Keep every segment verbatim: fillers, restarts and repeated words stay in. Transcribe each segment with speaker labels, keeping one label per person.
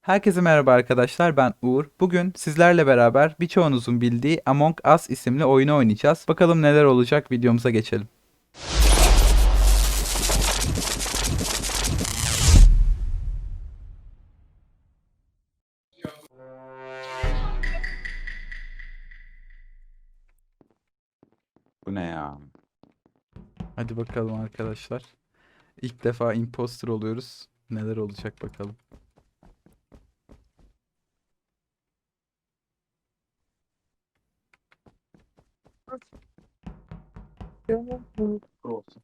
Speaker 1: Herkese merhaba arkadaşlar, ben Uğur. Bugün sizlerle beraber birçoğunuzun bildiği Among Us isimli oyunu oynayacağız. Bakalım neler olacak, videomuza geçelim.
Speaker 2: Bu ne ya?
Speaker 1: Hadi bakalım arkadaşlar. İlk defa imposter oluyoruz. Neler olacak bakalım.
Speaker 2: Olsun.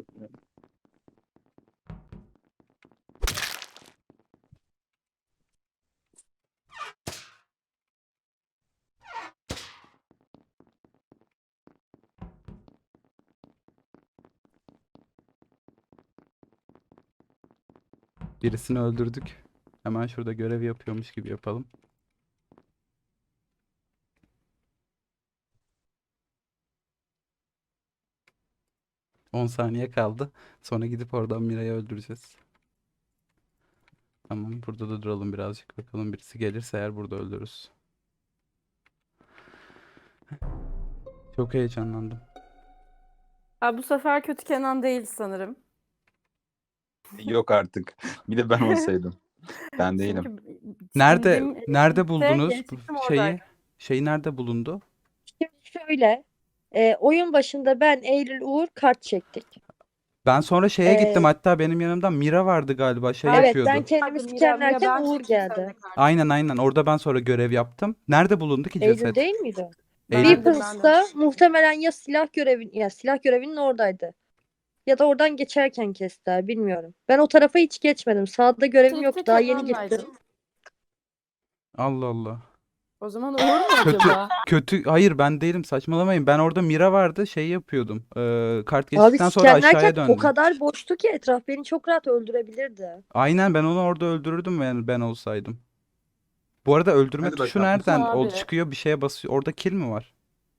Speaker 1: Birisini öldürdük. Hemen şurada görev yapıyormuş gibi yapalım. on saniye kaldı. Sonra gidip oradan Mira'yı öldüreceğiz. Tamam, burada da duralım birazcık. Bakalım birisi gelirse eğer burada öldürürüz. Çok heyecanlandım.
Speaker 3: Ha, bu sefer kötü Kenan değil sanırım.
Speaker 2: Yok artık. Bir de ben olsaydım. Ben değilim.
Speaker 3: Çünkü
Speaker 1: Nerede
Speaker 3: bildiğim
Speaker 1: nerede
Speaker 3: elektrikte
Speaker 1: buldunuz bu
Speaker 3: gerçekten
Speaker 1: şeyi?
Speaker 3: oradaydı.
Speaker 1: Şeyi nerede bulundu?
Speaker 4: Şimdi şöyle, e, oyun başında ben, Eylül, Uğur kart çektik.
Speaker 1: Ben sonra şeye gittim,
Speaker 4: Ee,
Speaker 1: hatta benim yanımda Mira vardı galiba, şey
Speaker 3: Evet,
Speaker 4: Evet, ben
Speaker 1: yapıyordu.
Speaker 4: kendimi
Speaker 3: Mira- Mira
Speaker 4: skenlerken
Speaker 3: ben
Speaker 4: Uğur
Speaker 3: çektim
Speaker 4: geldi.
Speaker 3: seninle kardeşim.
Speaker 1: Aynen aynen, orada ben sonra görev yaptım. Nerede bulundu ki
Speaker 4: Eylül
Speaker 1: ceset?
Speaker 4: değil miydi?
Speaker 1: Eylül.
Speaker 3: Ben de, ben de.
Speaker 4: Weapons'ta muhtemelen ya silah görevin ya silah görevinin oradaydı. Ya da oradan geçerken kestiler, bilmiyorum. Ben o tarafa hiç geçmedim. Sağda görevim
Speaker 3: Elektrikte
Speaker 4: yoktu. Daha yeni
Speaker 3: Kenan'laydım.
Speaker 4: gittim.
Speaker 1: Allah Allah.
Speaker 3: O zaman Uğur mu
Speaker 1: Kötü
Speaker 3: acaba?
Speaker 1: kötü hayır, ben değilim, saçmalamayın. Ben orada Mira vardı, şey yapıyordum. Ee, kart
Speaker 4: Abi
Speaker 1: geçtikten sonra aşağıya
Speaker 4: skenlerken o
Speaker 1: döndüm.
Speaker 4: kadar boştu ki etraf beni çok rahat öldürebilirdi.
Speaker 1: Aynen, ben onu orada öldürürdüm yani ben olsaydım. Bu arada öldürme
Speaker 2: Hadi
Speaker 1: tuşu
Speaker 2: bakalım.
Speaker 1: nereden
Speaker 3: Abi.
Speaker 1: ol çıkıyor, bir şeye basıyor. Orada kill mi var?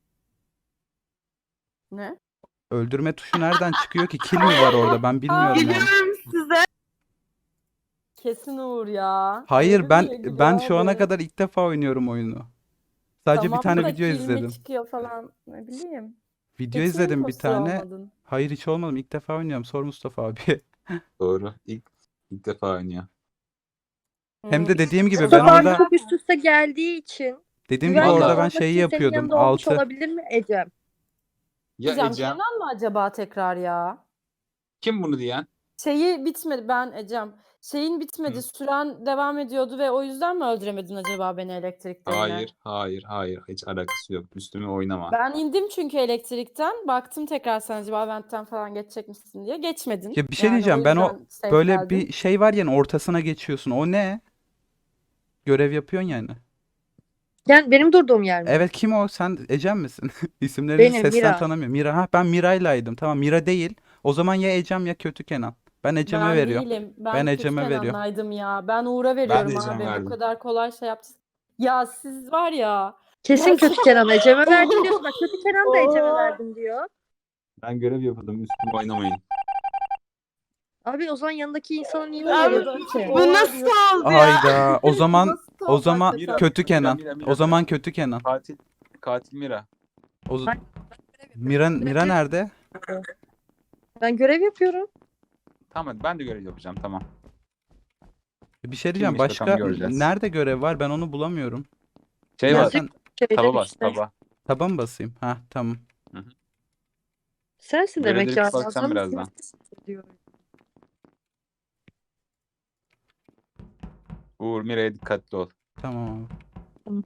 Speaker 3: Ne?
Speaker 1: Öldürme tuşu nereden çıkıyor ki? Kill mi var orada? Ben bilmiyorum yani.
Speaker 3: size. Kesin Uğur ya.
Speaker 1: Hayır,
Speaker 3: Eylül
Speaker 1: ben
Speaker 3: niye gülüyor
Speaker 1: ben şu ana
Speaker 3: abi?
Speaker 1: kadar ilk defa oynuyorum oyunu. Sadece bir
Speaker 3: Tamam
Speaker 1: tane
Speaker 3: da
Speaker 1: video
Speaker 3: kill mi
Speaker 1: izledim.
Speaker 3: çıkıyor falan, ne bileyim.
Speaker 1: Video
Speaker 3: Hiç mi
Speaker 1: izledim bir
Speaker 3: imposter
Speaker 1: tane.
Speaker 3: olmadın?
Speaker 1: Hayır, hiç olmadım. İlk defa oynuyorum. Sor Mustafa abi.
Speaker 2: Doğru. İlk, ilk defa oynuyor.
Speaker 1: Hem
Speaker 3: Hmm.
Speaker 1: de dediğim gibi ben
Speaker 4: Mustafa abi
Speaker 1: orada
Speaker 4: çok üst üste geldiği için
Speaker 1: dediğim gibi
Speaker 4: güvenli
Speaker 1: orada
Speaker 2: Vallahi.
Speaker 1: ben
Speaker 4: olmak
Speaker 1: şeyi
Speaker 4: için senin
Speaker 1: yapıyordum.
Speaker 4: yanında olmuş
Speaker 1: Altı.
Speaker 4: olabilir mi Ecem?
Speaker 2: Ya
Speaker 3: Ecem,
Speaker 2: Ecem.
Speaker 3: Kenan mı acaba tekrar ya?
Speaker 2: Kim bunu diyen?
Speaker 3: Şeyi bitmedi, ben Ecem. Şeyin bitmedi,
Speaker 2: Hı.
Speaker 3: süren devam ediyordu ve o yüzden mi öldüremedin acaba beni elektrikte yine?
Speaker 2: Hayır, hayır, hayır. Hiç alakası yok. Üstüme oynama.
Speaker 3: Ben indim çünkü elektrikten. Baktım tekrar sen acaba ventten falan geçecek misin diye. Geçmedin.
Speaker 1: Ya bir şey
Speaker 3: Yani o
Speaker 1: diyeceğim. Ben o
Speaker 3: yüzden safe
Speaker 1: böyle
Speaker 3: geldin.
Speaker 1: bir şey var yani, ortasına geçiyorsun. O ne? Görev yapıyorsun yani.
Speaker 4: Yani benim durduğum yer mi?
Speaker 1: Evet, kim o? Sen Ecem misin? İsimleri
Speaker 4: Benim,
Speaker 1: sesten
Speaker 4: Mira.
Speaker 1: tanımıyorum. Mira, ha, ben Mira'ylaydım. Tamam, Mira değil. O zaman ya Ecem ya kötü Kenan. Ben Ecem'e
Speaker 3: Ben
Speaker 1: veriyorum.
Speaker 3: değilim.
Speaker 1: Ben
Speaker 3: Ben kötü
Speaker 1: Ecem'e veriyorum.
Speaker 3: Kenan'laydım ya. Ben Uğur'a
Speaker 2: Ben de
Speaker 3: veriyorum
Speaker 2: Ecem
Speaker 3: abi. Bu
Speaker 2: verdim.
Speaker 3: kadar kolay şey yaptın. Ya siz var ya.
Speaker 4: Kesin
Speaker 3: Gerçekten.
Speaker 4: kötü Kenan Ecem'e verdim diyorsun. Bak kötü Kenan da Ecem'e
Speaker 3: Oo.
Speaker 4: verdim diyor.
Speaker 2: Ben görev yapıyordum. Üstüme oynamayın.
Speaker 4: Abi o zaman yanındaki insana niye
Speaker 3: Abi,
Speaker 4: uyarıyorsun ki?
Speaker 3: bu nasıl oldu ya?
Speaker 1: Hayda. O zaman
Speaker 3: Nasıl
Speaker 1: o
Speaker 3: oldu
Speaker 1: zaman
Speaker 3: hakikaten?
Speaker 1: kötü
Speaker 2: Mira,
Speaker 1: Kenan.
Speaker 2: Mira, Mira,
Speaker 1: O zaman
Speaker 2: Mira.
Speaker 1: kötü Kenan.
Speaker 2: Katil, katil Mira.
Speaker 1: O z-
Speaker 4: Hayır,
Speaker 1: Mira Mira nerede?
Speaker 4: Ben görev yapıyorum.
Speaker 2: Tamam hadi ben de görev yapacağım. Tamam.
Speaker 1: Bir şey diyeceğim.
Speaker 2: Kimmiş bakalım,
Speaker 1: Başka
Speaker 2: göreceğiz.
Speaker 1: nerede görev var? Ben onu bulamıyorum.
Speaker 2: Şey
Speaker 1: Ya
Speaker 2: var.
Speaker 4: Yazık.
Speaker 1: sen
Speaker 4: Şeyde
Speaker 2: Taba bas.
Speaker 4: işte.
Speaker 2: Taba.
Speaker 1: taba mı basayım? Ha, tamam.
Speaker 4: Sensin demek
Speaker 2: Görevleri
Speaker 4: ya.
Speaker 2: bir baksam
Speaker 4: Yazan
Speaker 2: birazdan.
Speaker 4: mısın diyorum.
Speaker 2: Uğur Mira'ya dikkatli ol.
Speaker 1: Tamam abi.
Speaker 4: Tamam.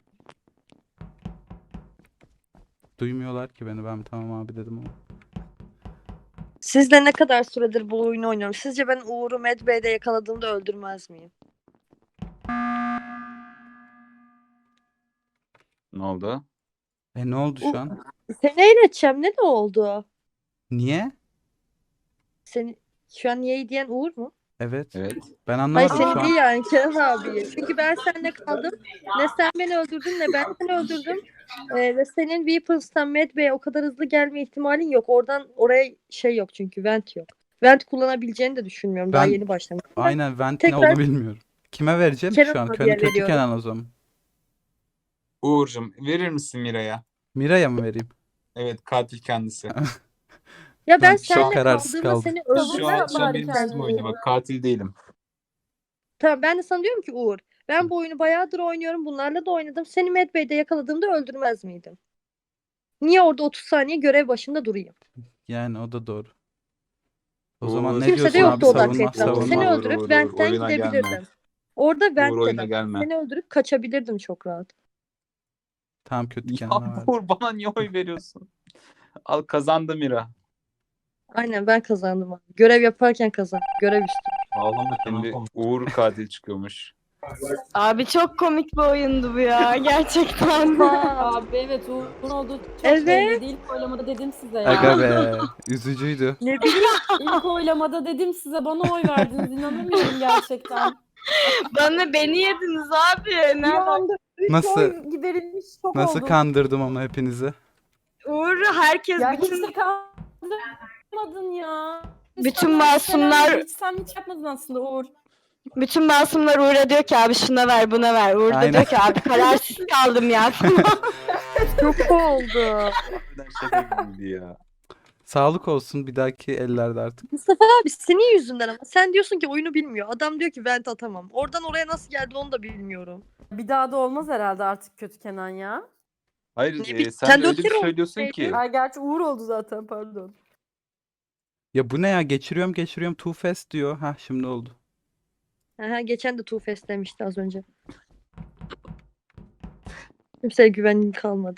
Speaker 1: Duymuyorlar ki beni. Ben tamam abi dedim ama.
Speaker 4: Sizle ne kadar süredir bu oyunu oynuyorum? Sizce ben Uğur'u Medbay'de yakaladığımda öldürmez miyim?
Speaker 2: Ne oldu?
Speaker 1: E ne oldu şu an?
Speaker 4: Seni eğleteceğim. Ne de oldu?
Speaker 1: Niye?
Speaker 4: Seni şu an niye diyen Uğur mu?
Speaker 1: Evet.
Speaker 2: Evet.
Speaker 1: Ben
Speaker 4: Hayır
Speaker 1: anlamadım
Speaker 4: seni
Speaker 1: şu an.
Speaker 4: değil yani Kenan abiyi. Çünkü ben seninle kaldım. Ne sen beni öldürdün ne ben seni öldürdüm. Ee, ve senin Weapons'tan Medbay'e o kadar hızlı gelme ihtimalin yok. Oradan oraya şey yok çünkü vent yok. Vent kullanabileceğini de düşünmüyorum. Daha
Speaker 1: Ben
Speaker 4: yeni başlamıştım. Ben
Speaker 1: aynen vent ne
Speaker 4: tekrar
Speaker 1: olduğunu bilmiyorum. Kime vereceğim ki
Speaker 4: Kenan
Speaker 1: şu an?
Speaker 4: abiye
Speaker 1: Kötü, kötü
Speaker 4: veriyorum.
Speaker 1: Kenan o zaman.
Speaker 2: Uğur'cum verir misin Mira'ya?
Speaker 1: Mira'ya mı vereyim?
Speaker 2: Evet, katil kendisi.
Speaker 4: Ya ben
Speaker 1: Lan çok
Speaker 4: seninle
Speaker 1: kararsız
Speaker 4: kaldığımda
Speaker 1: kaldım.
Speaker 4: seni
Speaker 2: Şu
Speaker 4: öldürmem
Speaker 2: an, şu an
Speaker 3: bari
Speaker 2: benim
Speaker 3: kendini.
Speaker 2: üstüme oynuyor. Bak, katil değilim.
Speaker 4: Tamam, ben de sana diyorum ki Uğur, ben bu oyunu bayağıdır oynuyorum. Bunlarla da oynadım. Seni Medbay'de yakaladığımda öldürmez miydim? Niye orada otuz saniye görev başında durayım?
Speaker 1: Yani o da doğru. O
Speaker 2: Uğur,
Speaker 1: zaman ne
Speaker 4: Kimse de
Speaker 1: diyorsun
Speaker 2: Uğur,
Speaker 1: abi?
Speaker 4: yoktu o dakika
Speaker 1: Savunma,
Speaker 4: etrafta.
Speaker 2: Uğur,
Speaker 4: Seni
Speaker 1: savunma.
Speaker 2: Uğur,
Speaker 4: öldürüp
Speaker 2: Uğur, Uğur,
Speaker 4: Vent'ten
Speaker 2: oyuna gelme.
Speaker 4: gidebilirdim. Orada
Speaker 2: Uğur,
Speaker 4: Vent de
Speaker 2: oyuna
Speaker 4: ben.
Speaker 2: gelme.
Speaker 4: Seni öldürüp kaçabilirdim çok rahat.
Speaker 1: Tamam, kötü
Speaker 2: Ya
Speaker 1: Kenan'a verdim.
Speaker 2: Uğur, bana niye oy veriyorsun? Al, kazandı Mira.
Speaker 4: Aynen, ben kazandım abi. Görev yaparken kazandım. Görev üstü.
Speaker 5: Ağlama Kenan
Speaker 2: Şimdi
Speaker 5: konuş.
Speaker 2: Uğur katil çıkıyormuş.
Speaker 6: Abi çok komik bir oyundu bu ya gerçekten.
Speaker 3: Abi evet Uğur'un olduğu çok
Speaker 4: Evet.
Speaker 3: belliydi. İlk oylamada dedim size ya.
Speaker 1: Aga be. Üzücüydü.
Speaker 4: Ne bileyim.
Speaker 3: İlk oylamada dedim size bana oy verdiniz. İnanamıyorum gerçekten.
Speaker 6: Bana beni yediniz abi.
Speaker 3: Bir
Speaker 6: Nereden?
Speaker 3: anda üç
Speaker 1: Nasıl-
Speaker 3: oy giderilmiş şok
Speaker 1: Nasıl
Speaker 3: oldum.
Speaker 1: kandırdım ama hepinizi.
Speaker 6: Uğur herkes
Speaker 3: Ya hiç
Speaker 6: bütün
Speaker 3: de kandırmadın ya.
Speaker 6: Bütün
Speaker 3: Sana
Speaker 6: masumlar-
Speaker 3: şeyler- Hiç sen hiç yapmadın aslında Uğur.
Speaker 6: bütün masumlar Uğur'a diyor ki abi şuna ver buna ver. Uğur da
Speaker 1: Aynen.
Speaker 6: diyor ki abi kararsız kaldım ya.
Speaker 4: Çok oldu.
Speaker 2: Harbiden şaka gibiydi ya.
Speaker 1: Sağlık olsun bir dahaki ellerde artık.
Speaker 4: Mustafa abi senin yüzünden ama. Sen diyorsun ki oyunu bilmiyor. Adam diyor ki Vent atamam. Oradan oraya nasıl geldi onu da bilmiyorum.
Speaker 3: Bir daha da olmaz herhalde artık kötü Kenan ya.
Speaker 2: Hayır,
Speaker 4: Ne
Speaker 2: e,
Speaker 4: bileyim,
Speaker 2: sen,
Speaker 4: sen
Speaker 2: de öyle
Speaker 4: dört
Speaker 2: bir
Speaker 4: kere
Speaker 2: söylüyorsun ki.
Speaker 3: Ay gerçi Uğur oldu zaten pardon.
Speaker 1: Ya bu ne ya? Geçiriyorum geçiriyorum. Too fast diyor. Hah, şimdi oldu.
Speaker 4: Aha, geçen de Two Face demişti az önce. Kimseye güvenim kalmadı.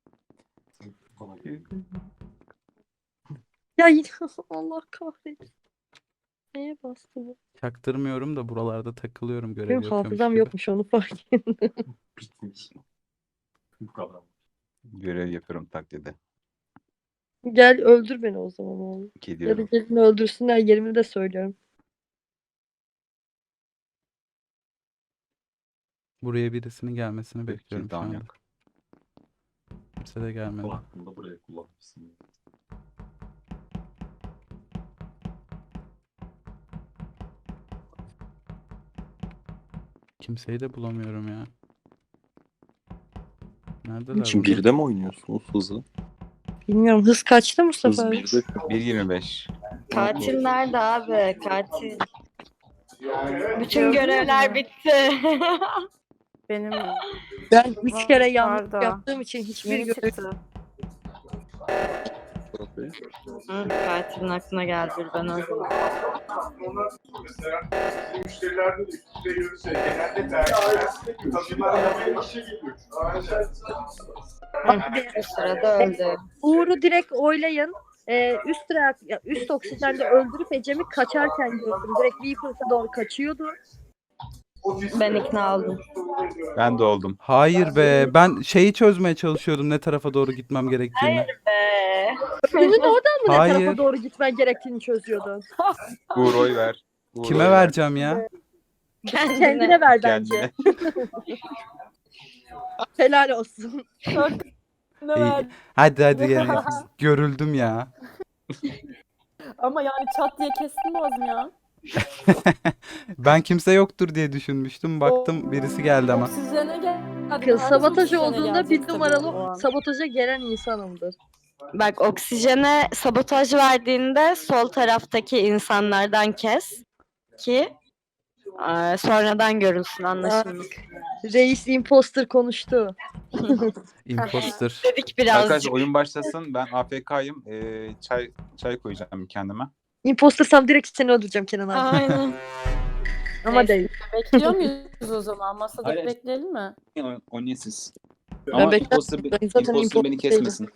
Speaker 4: Ya yine Allah kahretsin. Neye bastı bu?
Speaker 1: Çaktırmıyorum da buralarda takılıyorum görev
Speaker 4: Benim
Speaker 1: yapıyormuş
Speaker 4: hafızam
Speaker 1: gibi.
Speaker 4: yokmuş, onu fark ettim.
Speaker 5: Bitmiş. Bu kadar.
Speaker 2: Görev yapıyorum taklidi.
Speaker 4: Gel öldür beni o zaman oğlum. Ya da
Speaker 2: Gidiyorum.
Speaker 4: gelin öldürsünler, yerimi de söylüyorum.
Speaker 1: Buraya birisinin gelmesini bekliyorum şu
Speaker 2: Tamam,
Speaker 1: anda.
Speaker 2: yok.
Speaker 1: Kimse de gelmedi.
Speaker 5: Kulaklığını buraya kullanmışsın.
Speaker 1: Kimseyi de bulamıyorum ya. Neredeler
Speaker 7: Şimdi
Speaker 1: bunlar?
Speaker 7: birde mi oynuyorsunuz hızı?
Speaker 4: Bilmiyorum, hız kaçtı
Speaker 7: Hız
Speaker 4: Mustafa abi?
Speaker 7: birde.
Speaker 2: bir yirmi beş.
Speaker 6: Katil nerede abi? Katil. Bütün
Speaker 3: Gördün
Speaker 6: görevler
Speaker 3: mü?
Speaker 6: bitti.
Speaker 3: Benim
Speaker 4: Ben üç kere yanlış
Speaker 3: Pardon.
Speaker 4: yaptığım için hiçbir
Speaker 3: yeni
Speaker 4: görev...
Speaker 3: çıktı.
Speaker 6: Hı, katilin aklına geldi ben o zaman.
Speaker 8: Müşterilerde de üstüne göre şey, genelde tercihler kadınlar işe gidiyor.
Speaker 6: O sırada öldü.
Speaker 4: Uğur'u direkt oylayın. Ee, üst, reak- ya, üst oksijende öldürüp Ecem'i kaçarken gördüm. Direkt Weaver'sa doğru kaçıyordu.
Speaker 6: Ben ikna oldum.
Speaker 2: Ben de oldum.
Speaker 1: Hayır be. Ben şeyi çözmeye çalışıyordum ne tarafa doğru gitmem gerektiğini.
Speaker 6: Be.
Speaker 4: Senin oradan mı ne
Speaker 1: Hayır.
Speaker 4: tarafa doğru gitmen gerektiğini çözüyordun?
Speaker 2: Uğur, oy ver. Uğur,
Speaker 1: Kime
Speaker 2: oy ver.
Speaker 1: vereceğim ya?
Speaker 6: Kendine.
Speaker 4: Kendine ver bence.
Speaker 2: Kendine.
Speaker 4: Helal olsun.
Speaker 3: Ne
Speaker 1: İyi.
Speaker 3: verdi?
Speaker 1: Hadi hadi yani. Görüldüm ya.
Speaker 3: Ama yani çat diye kestin boğazım ya.
Speaker 1: Ben kimse yoktur diye düşünmüştüm. Baktım birisi geldi ama.
Speaker 3: Oksijene gel. Hadi
Speaker 4: Kız
Speaker 3: herkes
Speaker 4: sabotaj
Speaker 3: oksijene
Speaker 4: olduğunda bir
Speaker 3: gelecek tabii o
Speaker 4: numaralı
Speaker 3: an.
Speaker 4: sabotaja gelen insanımdır.
Speaker 6: Bak oksijene sabotaj verdiğinde sol taraftaki insanlardan kes ki eee, sonradan görülsün anlaşıldık.
Speaker 4: Reis imposter konuştu.
Speaker 1: Imposter.
Speaker 6: Dedik birazcık.
Speaker 2: Arkadaşlar oyun başlasın. Ben A F K'yım. Ee, çay çay koyacağım kendime.
Speaker 4: Impostersam direkt seni öldüreceğim Kenan abi.
Speaker 6: Aynen.
Speaker 4: Ama
Speaker 3: Neyse.
Speaker 4: değil.
Speaker 3: Bekliyor muyuz o zaman? Masada
Speaker 2: Hayır.
Speaker 3: bekleyelim mi?
Speaker 2: O- Oynayın siz.
Speaker 4: Ben
Speaker 2: Ama
Speaker 4: beklerim.
Speaker 2: imposter,
Speaker 4: Ben zaten
Speaker 2: imposter
Speaker 4: imposter
Speaker 2: beni
Speaker 4: değilim.
Speaker 2: kesmesin.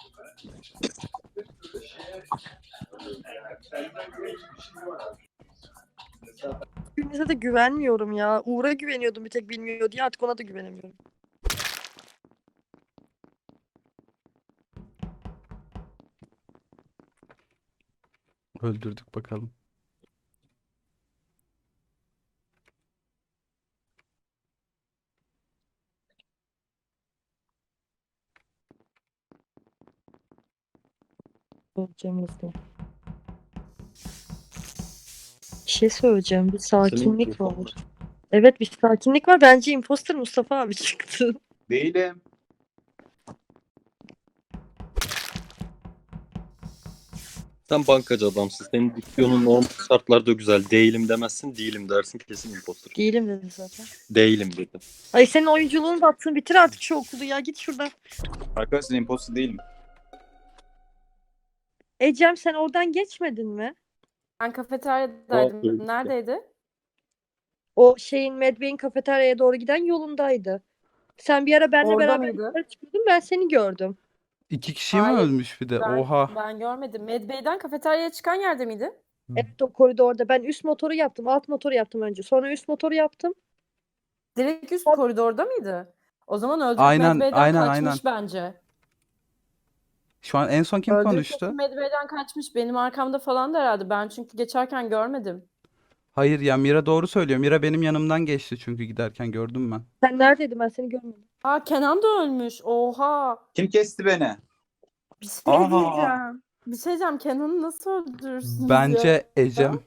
Speaker 4: Birbirinize de güvenmiyorum ya. Uğur'a güveniyordum bir tek bilmiyor diye, artık ona da güvenemiyorum.
Speaker 1: Öldürdük bakalım.
Speaker 4: Söyleyeceğim hızlı. Bir şey söyleyeceğim. Bir sakinlik var. Evet, bir sakinlik var. Bence imposter Mustafa abi çıktı.
Speaker 2: Değilim.
Speaker 7: Sen bankacı adamsın. Senin diksiyonun normal şartlarda güzel. Değilim demezsin, değilim dersin, kesin imposter.
Speaker 4: Değilim dedi zaten.
Speaker 7: Değilim dedi.
Speaker 4: Ay senin oyunculuğunu da attın. Bitir artık şu okulu ya. Git şuradan.
Speaker 2: Arkadaşlar imposter değilim.
Speaker 4: Ecem sen oradan geçmedin mi?
Speaker 3: Ben
Speaker 7: Aa,
Speaker 3: kafeteryadaydım.
Speaker 7: öyle.
Speaker 3: Neredeydi?
Speaker 4: O şeyin Medbay'in kafeteryaya doğru giden yolundaydı. Sen bir ara benimle
Speaker 3: Orada
Speaker 4: beraber
Speaker 3: mıydı?
Speaker 4: yukarı çıkıyordun. Ben seni gördüm.
Speaker 1: İki kişi mi
Speaker 3: Hayır,
Speaker 1: ölmüş bir de?
Speaker 3: Ben,
Speaker 1: Oha.
Speaker 3: ben görmedim. Medbay'den kafeteryaya çıkan yerde miydi?
Speaker 4: Evet, o koridorda. Ben üst motoru yaptım. Alt motoru yaptım önce. Sonra üst motoru yaptım.
Speaker 3: Direkt üst koridorda mıydı? O zaman öldürüp
Speaker 1: Aynen,
Speaker 3: Medbay'den
Speaker 1: aynen,
Speaker 3: kaçmış
Speaker 1: aynen.
Speaker 3: bence.
Speaker 1: Şu an en son kim
Speaker 3: Öldürüp
Speaker 1: konuştu?
Speaker 3: kesin Medbay'den kaçmış. Benim arkamda falan da herhalde. Ben çünkü geçerken görmedim.
Speaker 1: Hayır ya, Mira doğru söylüyor. Mira benim yanımdan geçti çünkü giderken gördüm ben.
Speaker 4: Sen neredeydin? Ben seni görmedim.
Speaker 3: Aa, Kenan da ölmüş. Oha.
Speaker 2: Kim kesti beni?
Speaker 3: Bir şey
Speaker 2: Aa.
Speaker 3: diyeceğim. Bir şey diyeceğim. Kenan'ı nasıl öldürürsünüz ya?
Speaker 1: Bence Ecem.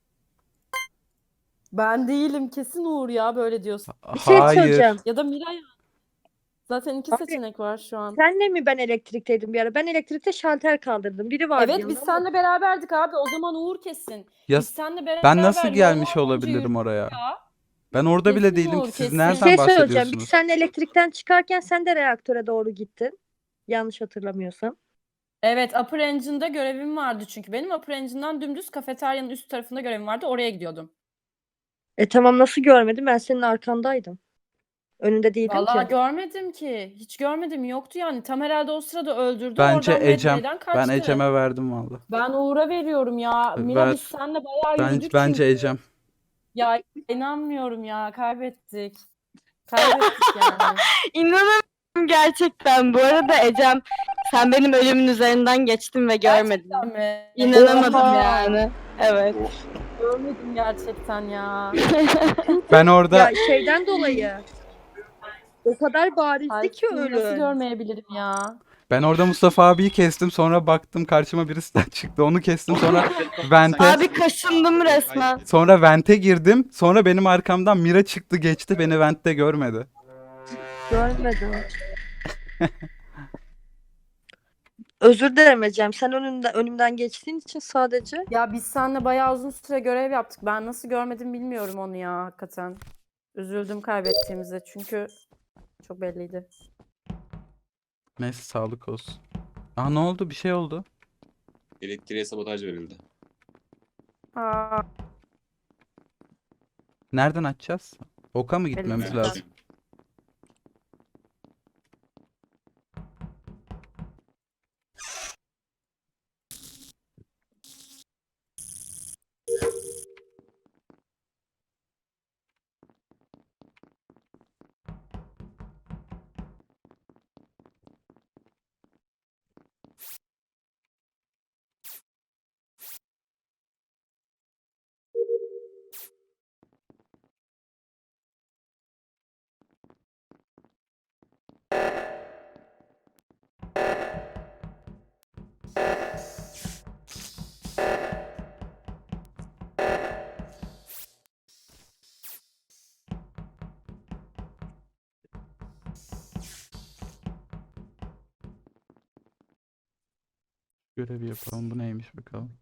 Speaker 3: Ben değilim. Kesin Uğur ya böyle diyorsun.
Speaker 4: Bir şey
Speaker 1: Hayır.
Speaker 4: söyleyeceğim.
Speaker 3: Ya da Miray. Zaten iki
Speaker 4: Abi,
Speaker 3: seçenek var şu an.
Speaker 4: Senle mi ben elektrikteydim bir ara? Ben elektrikte şalter kaldırdım. Biri vardı
Speaker 3: Evet,
Speaker 4: yanımda
Speaker 3: biz
Speaker 4: ama-
Speaker 3: seninle beraberdik abi. O zaman Uğur kesin.
Speaker 1: Ya
Speaker 3: Biz seninle beraber
Speaker 1: ben nasıl
Speaker 3: yol
Speaker 1: gelmiş
Speaker 3: boyunca
Speaker 1: olabilirim oraya?
Speaker 3: yürüdük ya.
Speaker 1: Ben orada bile
Speaker 3: Kesin
Speaker 1: değilim
Speaker 3: Uğur,
Speaker 1: ki. Siz
Speaker 3: kesin.
Speaker 4: Bir
Speaker 1: nereden
Speaker 4: şey söyleyeceğim. Biz
Speaker 1: bahsediyorsunuz?
Speaker 4: seninle elektrikten çıkarken sen de reaktöre doğru gittin. Yanlış hatırlamıyorsam.
Speaker 3: Evet, Upper Engine'da görevim vardı çünkü. Benim Upper Engine'dan dümdüz kafeteryanın üst tarafında görevim vardı. Oraya gidiyordum.
Speaker 4: E tamam, nasıl görmedim? Ben senin arkandaydım. Önünde değildim
Speaker 3: Vallahi
Speaker 4: ki.
Speaker 3: görmedim ki. Hiç görmedim. Yoktu yani. Tam herhalde o sırada öldürdü.
Speaker 1: Bence
Speaker 3: Oradan
Speaker 1: Ecem.
Speaker 3: Medbay'den
Speaker 1: Ben
Speaker 3: kaçtı.
Speaker 1: Ecem'e verdim valla.
Speaker 3: Ben Uğur'a veriyorum ya. Mira
Speaker 1: Ver.
Speaker 3: biz seninle bayağı
Speaker 1: Ben,
Speaker 3: yürüdük
Speaker 1: bence
Speaker 3: çünkü.
Speaker 1: Ecem.
Speaker 3: Ya inanmıyorum ya. Kaybettik. Kaybettik yani.
Speaker 6: İnanamıyorum gerçekten. Bu arada Ecem, sen benim ölümün üzerinden geçtin ve görmedin.
Speaker 3: Gerçekten mi?
Speaker 6: İnanamadım
Speaker 3: Oha.
Speaker 6: yani. Evet.
Speaker 3: Görmedim gerçekten ya.
Speaker 1: Ben orada
Speaker 4: Ya şeyden dolayı. O kadar barizdi ki
Speaker 3: Ay, nasıl
Speaker 4: ölü.
Speaker 3: görmeyebilirim ya?
Speaker 1: ben orada Mustafa abiyi kestim. Sonra baktım karşıma birisi daha çıktı. Onu kestim. Sonra vente
Speaker 6: Abi kaşındım resmen.
Speaker 1: sonra vente girdim. Sonra benim arkamdan Mira çıktı geçti. Beni vente görmedi.
Speaker 4: Görmedim. Özür dilerim Ecem. Sen önümden, önümden geçtiğin için sadece.
Speaker 3: Ya biz seninle bayağı uzun süre görev yaptık. Ben nasıl görmedim bilmiyorum onu ya hakikaten. Üzüldüm kaybettiğimize çünkü çok belliydi.
Speaker 1: Neyse, sağlık olsun. Aa, ne oldu? Bir şey oldu.
Speaker 2: Elektriğe sabotaj verildi.
Speaker 3: Aa,
Speaker 1: Nereden açacağız? Oka mı gitmemiz
Speaker 3: Elimizden.
Speaker 1: lazım? Görevi yapalım. Bu neymiş bakalım.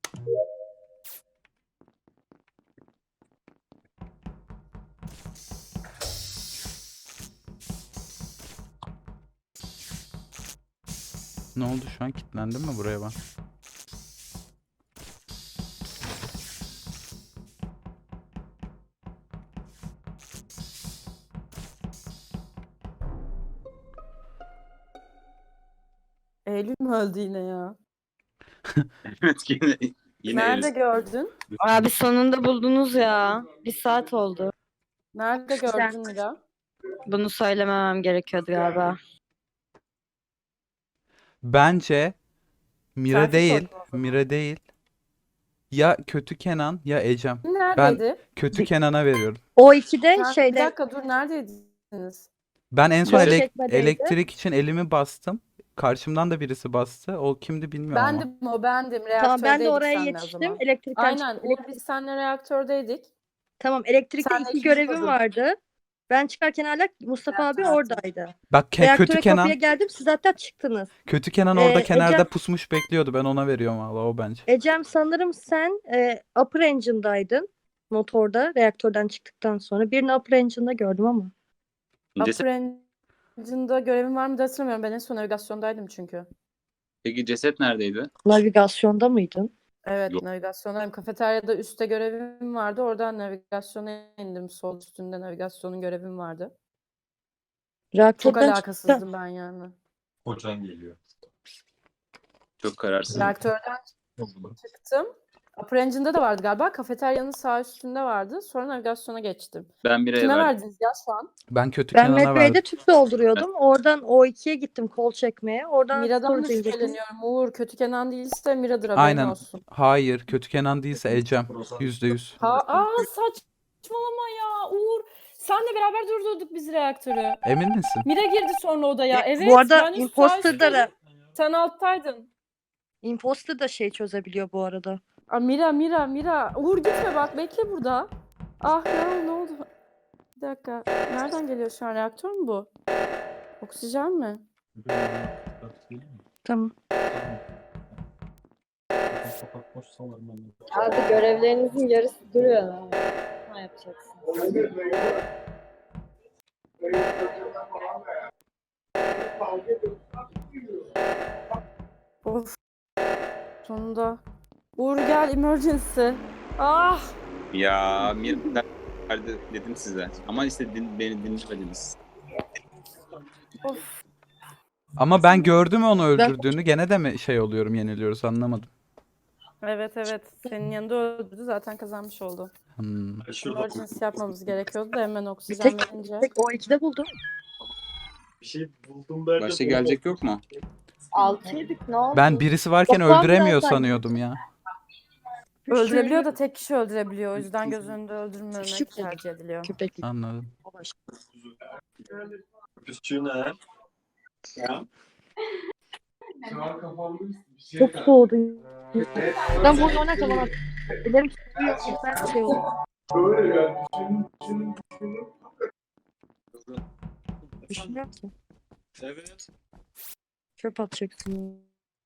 Speaker 1: Ne oldu şu an? Kilitlendim mi buraya ben?
Speaker 3: Eylül mü öldü yine ya?
Speaker 2: Evet yine, yine
Speaker 3: Nerede
Speaker 2: Elis.
Speaker 3: gördün?
Speaker 6: Abi sonunda buldunuz ya. Bir saat oldu.
Speaker 3: Nerede gördün Mira?
Speaker 6: Bunu söylememem gerekiyordu galiba.
Speaker 1: Bence Mira
Speaker 3: Selfie
Speaker 1: değil.
Speaker 3: koydum o zaman.
Speaker 1: Mira değil. Ya kötü Kenan ya Ecem.
Speaker 3: Neredeydi?
Speaker 1: Kötü Kenan'a veriyorum.
Speaker 4: O ikide
Speaker 3: Sen- Bir
Speaker 4: şeyde
Speaker 3: dakika dur neredeydiniz?
Speaker 1: Ben en son
Speaker 4: Yol
Speaker 1: elek-
Speaker 4: çekmedeydi.
Speaker 1: elektrik için elimi bastım. Karşımdan da birisi bastı. O kimdi bilmiyorum ama.
Speaker 3: Bendim o bendim.
Speaker 4: tamam ben de
Speaker 3: Reaktördeydik
Speaker 4: oraya
Speaker 3: seninle o
Speaker 4: yetiştim.
Speaker 3: zaman.
Speaker 4: Elektrikten
Speaker 3: Aynen.
Speaker 4: çıktım.
Speaker 3: Uğur biz seninle reaktördeydik.
Speaker 4: Tamam, elektrikte
Speaker 3: Sen de
Speaker 4: iki
Speaker 3: ikinci
Speaker 4: görevim
Speaker 3: kodun.
Speaker 4: vardı. Ben çıkarken hala Mustafa abi oradaydı.
Speaker 1: Bak Ke-
Speaker 4: Reaktöre
Speaker 1: kötü
Speaker 4: kapıya
Speaker 1: Kenan.
Speaker 4: geldim, siz hatta çıktınız.
Speaker 1: Kötü Kenan orada
Speaker 4: Ee,
Speaker 1: kenarda
Speaker 4: Ecem-
Speaker 1: pusmuş bekliyordu. Ben ona veriyorum valla o bence.
Speaker 4: Ecem, sanırım sen e, upper engine'daydın. Motorda, reaktörden çıktıktan sonra. Birini upper engine'da gördüm ama.
Speaker 2: Ceset,
Speaker 3: Upper Engine'da görevim var mı da hatırlamıyorum. Ben en son navigasyondaydım çünkü.
Speaker 2: peki ceset neredeydi?
Speaker 4: Navigasyonda mıydın?
Speaker 3: Evet,
Speaker 2: Yok.
Speaker 3: navigasyondayım. Kafeteryada üstte görevim vardı. Oradan navigasyona indim. Sol üstünde navigasyonun görevim vardı. Çok
Speaker 4: Reaktörden
Speaker 3: alakasızdım ben yani.
Speaker 5: Koçan geliyor.
Speaker 2: Çok kararsız.
Speaker 3: Reaktörden çıktım. Upper Engine'da da vardı galiba. Kafeteryanın sağ üstünde vardı. Sonra navigasyona geçtim.
Speaker 2: Ben bireye
Speaker 3: Kime
Speaker 2: verdim.
Speaker 3: verdiniz ya şu an?
Speaker 1: Ben kötü
Speaker 4: Ben
Speaker 1: Kenan'a
Speaker 4: Medbay'de
Speaker 1: verdim.
Speaker 4: tüp dolduruyordum. Oradan O ikiye gittim kol çekmeye. Oradan
Speaker 3: Mira'dan da
Speaker 4: storage'a gittim.
Speaker 3: şüpheleniyorum. Uğur kötü Kenan değilse Mira'dır haberin
Speaker 1: Aynen.
Speaker 3: olsun.
Speaker 1: Hayır, kötü Kenan değilse Ecem. Yüzde yüz.
Speaker 3: Ha, aa saçmalama ya Uğur. Senle beraber durdurduk biz reaktörü.
Speaker 1: Emin misin?
Speaker 3: Mira girdi sonra odaya.
Speaker 4: E,
Speaker 3: Evet.
Speaker 4: bu arada
Speaker 3: ben üst sağ
Speaker 4: imposter'da
Speaker 3: üstteydim.
Speaker 4: da
Speaker 3: Sen alttaydın.
Speaker 4: imposter da şey çözebiliyor bu arada.
Speaker 3: Aa, Mira Mira Mira. Uğur gitme bak bekle burada. Ah ya ne oldu? Bir dakika. Nereden geliyor şu an? Reaktör mü bu? Oksijen mi?
Speaker 4: Tamam.
Speaker 5: Sokak boş salarım ben.
Speaker 6: Abi görevlerinizin yarısı duruyor. Ne yapacaksınız?
Speaker 3: Of. Sonunda. Uğur gel emergency. Ah.
Speaker 2: Ya Mir nerede dedim size. Ama işte din, beni dinlemediniz.
Speaker 3: Of.
Speaker 1: Ama ben gördüm onu öldürdüğünü. Gene de mi şey oluyorum, yeniliyoruz anlamadım.
Speaker 3: Evet evet. Senin yanında öldürdü zaten kazanmış oldu.
Speaker 1: Hmm.
Speaker 5: Şurada
Speaker 3: Emergency yapmamız gerekiyordu da hemen
Speaker 4: Bir
Speaker 3: oksijen
Speaker 4: tek,
Speaker 3: verince.
Speaker 4: tek O ikide buldum.
Speaker 5: bir şey buldum derken.
Speaker 2: Başka gelecek yok mu?
Speaker 6: Altıydık ne oldu?
Speaker 1: Ben birisi varken
Speaker 4: Toplam
Speaker 1: öldüremiyor
Speaker 4: biraz
Speaker 1: sanıyordum ya.
Speaker 3: Öldürebiliyor da tek kişi öldürebiliyor. O yüzden göz önünde öldürmemek
Speaker 4: Küçük
Speaker 3: tercih ediliyor.
Speaker 4: Köpeklik.
Speaker 1: Anladım.
Speaker 5: Küçüğü ne?
Speaker 4: Çok soğudu. Ben bunu ona kalamam. Ellerim tutuyor. Ben şey oldu.
Speaker 8: Böyle yani düşün, düşün, düşün.
Speaker 4: Düşünüyorum ki.
Speaker 5: Evet.
Speaker 4: Çöp atacaksın.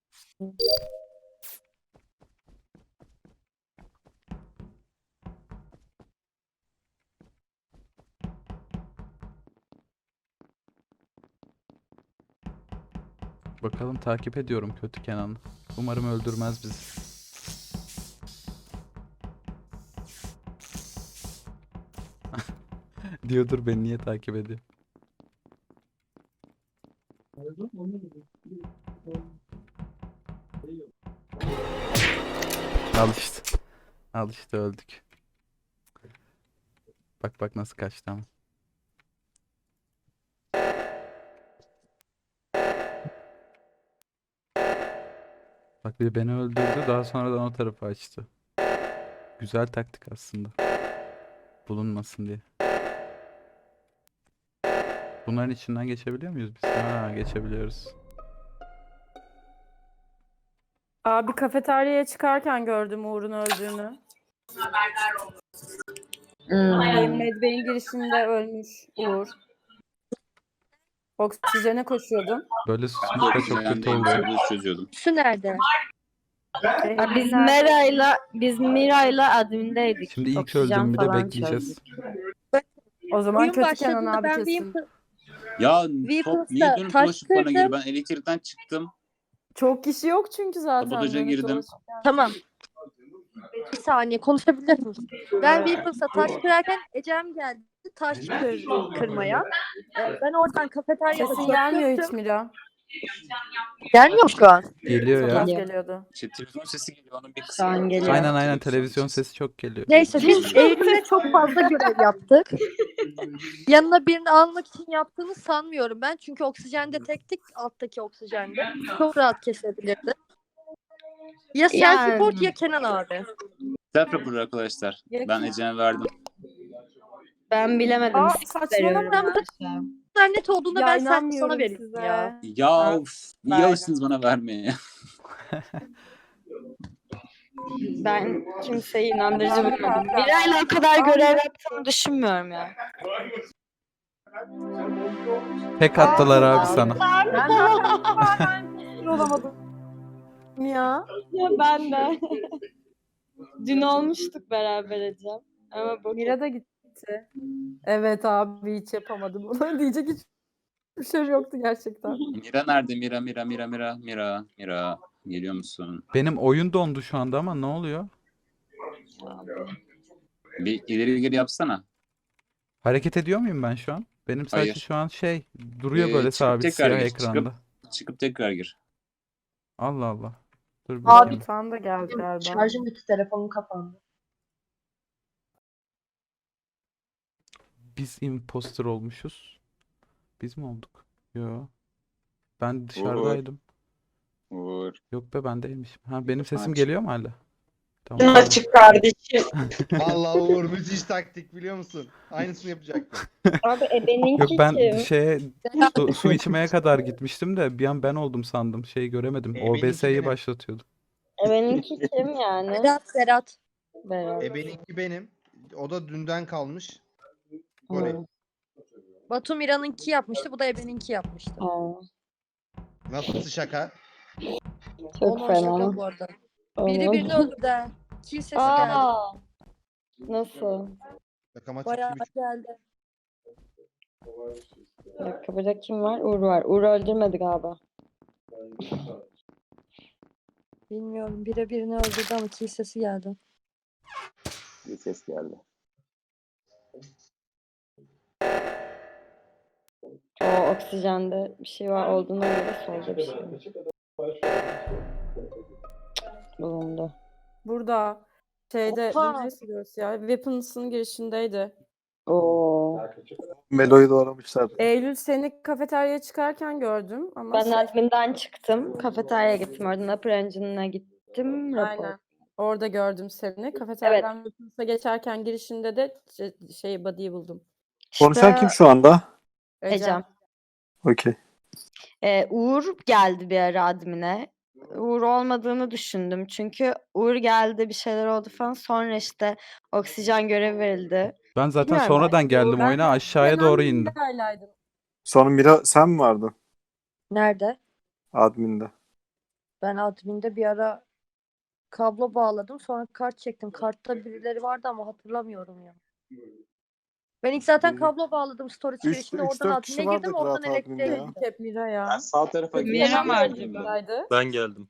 Speaker 1: Bakalım takip ediyorum kötü Kenan'ı. Umarım öldürmez bizi. Diyordur beni niye takip ediyor. Al işte. Al işte öldük. Bak bak nasıl kaçtı ama. Bak bir beni öldürdü daha sonradan o tarafa açtı. Güzel taktik aslında. Bulunmasın diye. Bunların içinden geçebiliyor muyuz biz? Ha geçebiliyoruz.
Speaker 3: Abi kafeteryaya çıkarken gördüm Uğur'un öldüğünü.
Speaker 6: Hmm.
Speaker 3: Medbay'in girişinde ölmüş Uğur. Oksijene koşuyordum.
Speaker 1: Böyle
Speaker 2: Ben
Speaker 1: susmuş da çok kötü
Speaker 2: oksijendeyim.
Speaker 1: oluyor.
Speaker 2: Gördüğünüz çözüyordum.
Speaker 4: Su nerede?
Speaker 6: Ya biz Mira'yla biz Mira'yla admindeydik.
Speaker 1: Şimdi ilk
Speaker 6: Oksijen
Speaker 1: öldüğümü de
Speaker 6: falan
Speaker 1: bekleyeceğiz.
Speaker 6: çözdük.
Speaker 3: O zaman
Speaker 4: Oyun
Speaker 3: kötü Kenan
Speaker 4: başladığında
Speaker 3: abi
Speaker 4: ben
Speaker 3: kesin.
Speaker 4: Weapon-
Speaker 2: Ya
Speaker 4: Weapons'ta
Speaker 2: top niye dönüp
Speaker 4: taş
Speaker 2: dolaşıp bana geliyor?
Speaker 4: kırdım.
Speaker 2: Ben elektrikten çıktım.
Speaker 3: Çok kişi yok çünkü zaten.
Speaker 2: Sabotaja
Speaker 3: dönüp
Speaker 2: girdim.
Speaker 3: dolaşıp.
Speaker 4: Tamam. Bir saniye konuşabilir miyim? Ben Weapons'a taş kırarken Ecem geldi taş kır, kırmaya. Ee, ben oradan kafeteryada
Speaker 3: Sesin
Speaker 4: çöp
Speaker 3: gelmiyor hiç
Speaker 4: döktüm.
Speaker 3: Mira.
Speaker 4: Gelmiyor mu şu an?
Speaker 1: Geliyor
Speaker 3: Çok
Speaker 1: ya.
Speaker 3: az geliyordu.
Speaker 2: İşte televizyon sesi geliyor. Onun bir
Speaker 6: Şu
Speaker 2: kısmı.
Speaker 6: an geliyor.
Speaker 1: Aynen aynen televizyon sesi çok geliyor.
Speaker 4: Neyse biz Eylül'e çok fazla görev yaptık. Yanına birini almak için yaptığını sanmıyorum ben. Çünkü oksijende tektik alttaki oksijende. Çok rahat kesebilirdi. Ya
Speaker 6: Yani.
Speaker 4: self-report ya Kenan abi.
Speaker 2: Self report arkadaşlar. Ben Ece'ye verdim.
Speaker 6: Ben bilemedim.
Speaker 3: Aa,
Speaker 6: Six
Speaker 3: saçmalama.
Speaker 6: veriyorum ben şu an.
Speaker 4: Bu kadar net olduğunda
Speaker 3: Ya
Speaker 4: ben sen,
Speaker 3: inanmıyorum
Speaker 4: sana vereyim
Speaker 3: size.
Speaker 4: ya.
Speaker 2: Ya of, niye
Speaker 6: verdim.
Speaker 2: alıştınız bana vermeye?
Speaker 6: Ben kimseyi inandırıcı bulmadım. Miray'la o kadar görev yaptığını düşünmüyorum ya.
Speaker 1: Tek attılar abi sana.
Speaker 3: Ben zaten ben olamadım ya.
Speaker 6: Ya ben de. Dün olmuştuk beraber Ecem. Ama bu
Speaker 3: Mira da gitti. Evet abi hiç yapamadım bunu. Diyecek hiçbir şey yoktu gerçekten.
Speaker 2: Mira nerede? Mira, Mira, Mira, Mira, Mira, Mira. Geliyor musun?
Speaker 1: Benim oyun dondu şu anda ama ne oluyor?
Speaker 2: Bir ileri geri yapsana.
Speaker 1: Hareket ediyor muyum ben şu an? Benim sadece
Speaker 2: Hayır.
Speaker 1: şu an şey duruyor
Speaker 2: Ee,
Speaker 1: böyle
Speaker 2: çıkıp
Speaker 1: sabit
Speaker 2: tekrar
Speaker 1: siyah
Speaker 2: gir,
Speaker 1: ekranda.
Speaker 2: Çıkıp tekrar gir.
Speaker 1: Allah Allah. Dur
Speaker 4: Abi,
Speaker 1: bakayım.
Speaker 3: Fan da geldi galiba.
Speaker 4: Şarjım bitti, telefonum kapandı.
Speaker 1: Biz imposter olmuşuz. Biz mi olduk? Yo. Ben dışarıdaydım.
Speaker 2: Uğur.
Speaker 1: Yok be ben değilmişim. Ha benim sesim
Speaker 2: Açık.
Speaker 1: geliyor mu hala? Tamam.
Speaker 6: açık kardeşim.
Speaker 9: Vallahi Uğur müthiş taktik biliyor musun? Aynısını yapacaktım.
Speaker 6: Abi e benimki
Speaker 1: Yok ben
Speaker 6: kim?
Speaker 1: şeye su, su içmeye kadar gitmiştim de bir an ben oldum sandım. Şeyi göremedim.
Speaker 9: E, benimki
Speaker 1: O B S'yi
Speaker 9: benim.
Speaker 1: başlatıyordum.
Speaker 6: E benimki kim yani?
Speaker 4: Berat, Berat.
Speaker 6: Berat.
Speaker 9: E benimki benim. O da dünden kalmış. Goril.
Speaker 6: Hı.
Speaker 4: Batu Mira'nınki yapmıştı, bu da Ebe'ninki yapmıştı.
Speaker 6: Aa,
Speaker 9: Nasıl şaka?
Speaker 6: çok
Speaker 4: Onun
Speaker 6: fena.
Speaker 4: şaka bu arada. Biri
Speaker 6: Onu-
Speaker 4: birini öldürdü ha. Kill sesi geldi.
Speaker 6: Aa, nasıl?
Speaker 9: Şakama
Speaker 4: Bayağı
Speaker 9: çok
Speaker 4: geldi.
Speaker 6: Bir dakika, burada kim var? Uğur var. Uğur öldürmedi galiba.
Speaker 4: Bilmiyorum, biri birini öldürdü ama kill sesi geldi.
Speaker 2: Bir ses geldi.
Speaker 6: O oksijende bir şey var olduğuna göre solda bir şey var. Bulundu.
Speaker 3: Burada şeyde
Speaker 4: Oha!
Speaker 3: neresi burası ya? Weapons'ın girişindeydi.
Speaker 6: Oo.
Speaker 5: Melo'yu doğramışlar.
Speaker 3: Eylül seni kafeteryaya çıkarken gördüm ama
Speaker 6: Ben
Speaker 3: şey-
Speaker 6: adminden çıktım. Kafeteryaya gittim. Oradan Upper Engine'a gittim. Rapor.
Speaker 3: aynen. Orada gördüm seni. Kafeteryadan Weapons'a geçerken girişinde de şey, şey body'yi buldum.
Speaker 5: Konuşan kim şu anda?
Speaker 6: Ecem.
Speaker 5: Okey.
Speaker 6: Ee, Uğur geldi bir ara admine. Uğur olmadığını düşündüm. Çünkü Uğur geldi, bir şeyler oldu falan. Sonra işte oksijen görevi verildi.
Speaker 1: Ben zaten
Speaker 6: Bilmiyorum
Speaker 1: sonradan geldim
Speaker 3: Ben
Speaker 1: oyuna aşağıya doğru
Speaker 3: Kenan
Speaker 1: indim.
Speaker 3: Mira'ylaydım.
Speaker 5: Sonra Mira sen mi vardın?
Speaker 4: Nerede?
Speaker 5: Admin'de.
Speaker 4: Ben adminde bir ara kablo bağladım. Sonra kart çektim. Kartta birileri vardı ama hatırlamıyorum ya. Ben ilk zaten
Speaker 5: İyi.
Speaker 4: kablo bağladım storage
Speaker 5: Üç-
Speaker 4: girişinde.
Speaker 5: üç,
Speaker 4: Oradan
Speaker 5: dört
Speaker 4: admine
Speaker 5: kişi
Speaker 4: girdim.
Speaker 5: vardık
Speaker 4: Oradan
Speaker 5: rahat adminde
Speaker 4: elektriğe
Speaker 5: ya.
Speaker 4: gittim.
Speaker 3: Hep Mira ya.
Speaker 2: Ben sağ tarafa
Speaker 6: Mira
Speaker 2: geçtim.
Speaker 6: var
Speaker 3: Buradaydı.
Speaker 7: Ben geldim.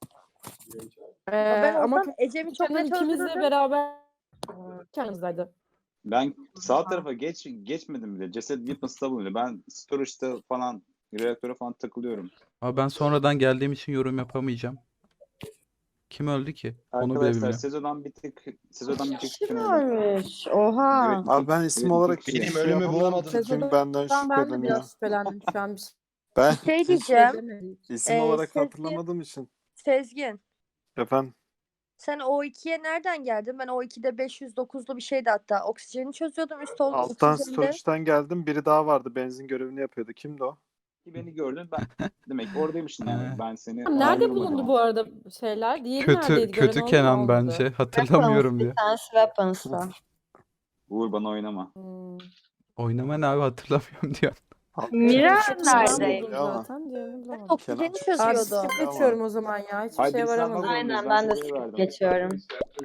Speaker 3: Ee,
Speaker 4: Ben
Speaker 3: ama
Speaker 4: oradan Ecem'i çok
Speaker 3: Kenan
Speaker 4: net
Speaker 3: ikimiz de
Speaker 4: öldürdüm.
Speaker 3: beraber kendimizdeydi.
Speaker 2: Ben sağ tarafa geç geçmedim bile. Ceset Weapons'ta bulunuyor. Ben storage'da falan reaktöre falan takılıyorum.
Speaker 1: Ama ben sonradan geldiğim için yorum yapamayacağım. Kim öldü ki? Onu bile
Speaker 2: Arkadaşlar
Speaker 1: bilmiyorum.
Speaker 2: sezondan bir tık sezondan bir tık
Speaker 6: Kim
Speaker 2: şüpheleniyorum.
Speaker 6: ölmüş? Oha.
Speaker 2: Evet,
Speaker 5: Abi ben isim
Speaker 2: evet,
Speaker 5: olarak
Speaker 2: benim
Speaker 5: hiçbir şey
Speaker 9: ölümü
Speaker 5: yapamam.
Speaker 9: bulamadım.
Speaker 5: Kim
Speaker 3: Sezonda
Speaker 5: benden
Speaker 3: Ben, ben de
Speaker 5: şüpheleniyor.
Speaker 3: biraz şüphelendim şu an. Bir
Speaker 5: Ben
Speaker 4: Şey diyeceğim.
Speaker 3: demedim.
Speaker 5: isim
Speaker 4: Ee,
Speaker 5: olarak
Speaker 4: Sezgin-
Speaker 5: hatırlamadığım için.
Speaker 4: Sezgin.
Speaker 5: Efendim.
Speaker 4: Sen O ikiye nereden geldin? Ben O ikide beş yüz dokuzlu bir şeydi hatta. Oksijeni çözüyordum. Üst ol
Speaker 5: Alttan
Speaker 4: oksijende.
Speaker 5: storage'den geldim. Biri daha vardı. Benzin görevini yapıyordu. Kimdi o?
Speaker 2: Beni gördün ben demek ki oradaymışsın yani.
Speaker 1: Ee.
Speaker 2: Ben seni
Speaker 3: Nerede
Speaker 2: kandırmadım.
Speaker 3: bulundu bu arada şeyler? Diğeri
Speaker 1: Kötü
Speaker 3: neredeydi? Gören
Speaker 1: kötü
Speaker 3: oldu mu,
Speaker 1: Kenan
Speaker 3: olmadı?
Speaker 1: bence. Hatırlamıyorum
Speaker 6: Bir
Speaker 1: diye.
Speaker 6: tanesi Weapons'ta.
Speaker 2: Uğur bana oynama.
Speaker 3: Hmm.
Speaker 1: Oynama ne abi hatırlamıyorum diyor.
Speaker 6: Mira
Speaker 3: Kenan
Speaker 6: neredeydi?
Speaker 3: buldum
Speaker 5: Ama.
Speaker 3: zaten. Diğerini
Speaker 4: Ben
Speaker 3: bulamadım.
Speaker 4: oksijeni
Speaker 3: Abi
Speaker 4: çözüyordum.
Speaker 3: skip geçiyorum o zaman ya. Hiçbir
Speaker 2: Haydi
Speaker 3: şeye
Speaker 2: biz
Speaker 3: varamadım.
Speaker 2: yapmak
Speaker 6: Aynen
Speaker 2: zorundayız.
Speaker 6: ben de
Speaker 2: size
Speaker 6: skip
Speaker 2: verdim.
Speaker 6: geçiyorum.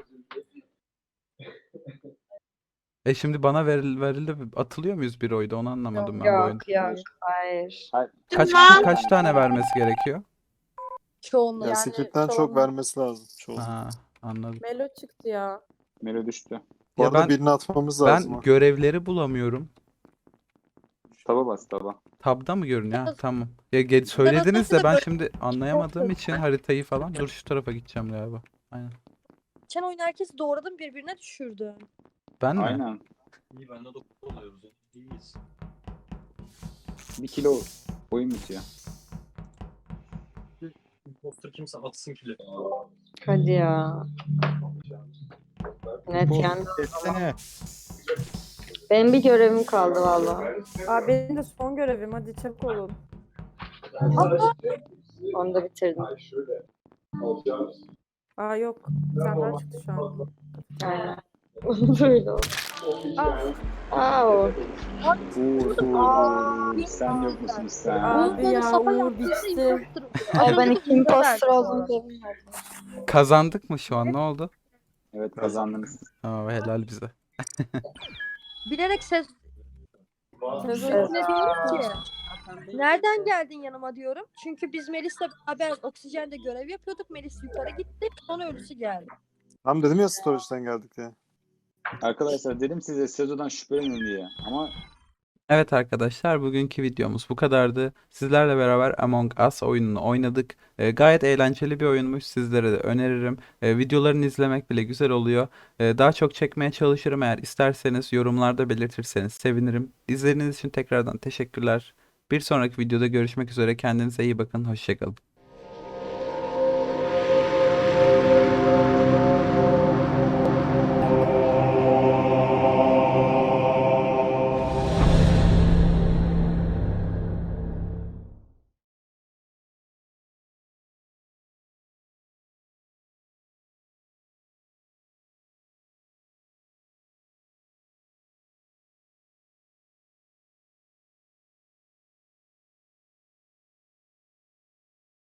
Speaker 1: E şimdi bana veril, verildi. Atılıyor muyuz bir oyda? Onu anlamadım ben bu oyunda.
Speaker 6: Yok yok hayır.
Speaker 2: Hayır.
Speaker 1: Kaç kişi kaç tane vermesi gerekiyor?
Speaker 4: Çoğunluğu.
Speaker 5: Ya
Speaker 3: Yani
Speaker 5: Secret'ten çok
Speaker 3: çoğunluğu-
Speaker 5: vermesi lazım. Çoğu.
Speaker 1: Ha, anladım.
Speaker 3: Melo çıktı ya.
Speaker 2: Melo düştü.
Speaker 5: Bu
Speaker 1: Ya
Speaker 5: arada
Speaker 1: ben-
Speaker 5: birini atmamız lazım.
Speaker 1: Ben
Speaker 5: ha.
Speaker 1: görevleri bulamıyorum.
Speaker 2: Taba bas taba.
Speaker 1: Tabda mı görünüyor? Ha,
Speaker 4: Biraz-
Speaker 1: tamam. Ya ge- söylediniz de
Speaker 4: aslında
Speaker 1: ben
Speaker 4: böyle-
Speaker 1: şimdi anlayamadığım için haritayı falan. Dur şu tarafa gideceğim galiba. Aynen.
Speaker 4: Geçen oyun herkesi doğradım, birbirine düşürdü.
Speaker 1: Ben mi?
Speaker 2: Aynen.
Speaker 7: İyi ben de dokuz oluyoruz. İyiyiz.
Speaker 2: Bir kilo oyun bitiyor.
Speaker 7: Imposter kimse atsın kili.
Speaker 6: Hadi ya. Net yani.
Speaker 9: Etsene.
Speaker 6: Benim bir görevim kaldı valla.
Speaker 3: Abi benim de son görevim. Hadi çabuk olun.
Speaker 6: Onu da bitirdim.
Speaker 3: Aa yok. Bir tane daha çıktı şu an.
Speaker 6: Ha. Böyle oldu. Aa. Aa o.
Speaker 2: Uğur, Uğur, Uğur. Sen yok musun sen?
Speaker 3: Abi
Speaker 4: Uğur
Speaker 3: ya,
Speaker 4: Mustafa
Speaker 3: Uğur
Speaker 4: yaptıysa
Speaker 3: bitti.
Speaker 4: imposter.
Speaker 6: Ay ben
Speaker 4: Az önce
Speaker 6: iki
Speaker 4: de Uğur'a
Speaker 6: imposter
Speaker 4: verdim bu
Speaker 6: olduğunu
Speaker 4: arada.
Speaker 6: bilmiyordum.
Speaker 1: Kazandık mı şu an? Ne oldu?
Speaker 2: Evet kazandınız.
Speaker 1: Aa, helal bize.
Speaker 4: Bilerek ses
Speaker 3: Sezo
Speaker 4: sesine diyorum ki nereden geldin yanıma diyorum. Çünkü biz Melis'le beraber oksijende görev yapıyorduk. Melis yukarı gitti. Sonra ölüsü geldi.
Speaker 5: Tam dedim ya storage'den geldik diye.
Speaker 2: Arkadaşlar dedim size Sezo'dan şüphelenin diye. Ama
Speaker 1: Evet arkadaşlar, bugünkü videomuz bu kadardı. Sizlerle beraber Among Us oyununu oynadık. E, gayet eğlenceli bir oyunmuş. Sizlere de öneririm. E, videolarını izlemek bile güzel oluyor. E, daha çok çekmeye çalışırım, eğer isterseniz yorumlarda belirtirseniz sevinirim. İzlediğiniz için tekrardan teşekkürler. Bir sonraki videoda görüşmek üzere. Kendinize iyi bakın. Hoşça kalın.